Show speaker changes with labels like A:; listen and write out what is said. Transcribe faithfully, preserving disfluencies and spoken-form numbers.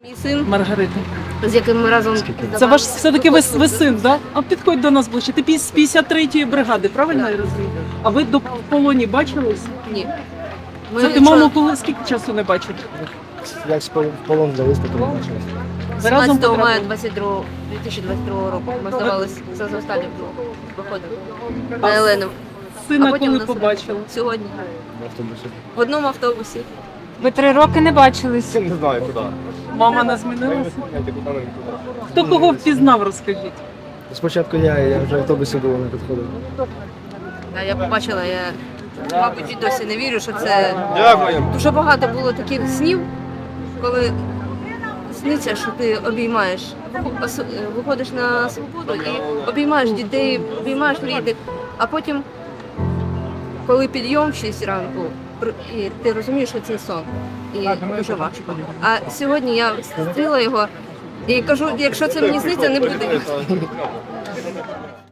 A: Мій син,
B: Маргарита.
A: з яким ми разом
B: Це ваш все-таки ви, ви син, да? А підходь до нас ближче. Ти пі- з п'ятдесят третьої бригади, правильно я розумію? А ви до в полоні бачились?
A: Ні.
B: Це ти маму коли скільки часу не бачив?
C: Як в полон взялись, то не бачилось.
B: Ви разом
A: сімнадцятого мая
B: потрапили?
A: дві тисячі двадцять другого року ми здавалися за останнім виходом на Елену. А
B: Сина
A: потім
B: коли
A: нас
B: побачили?
A: Сьогодні.
C: В автобусі.
A: В одному автобусі.
D: Ви три роки не бачились.
C: Я не знаю, куди.
B: Мама не змінилася?
C: Знаєте, куди нам куди.
B: Хто кого впізнав, розкажіть.
C: Спочатку я, я вже в автобусі було не підходив.
A: А я побачила, я, мабуть, і досі не вірю, що це
C: Дякую.
A: дуже багато було таких снів, коли сниться, що ти обіймаєш, ос- виходиш на свободу і обіймаєш дітей, обіймаєш рідних, а потім, коли підйом в шість ранку, пр- і ти розумієш, що це сон, і дуже важко. А сьогодні я зустріла його і кажу, якщо це мені сниться, не буде.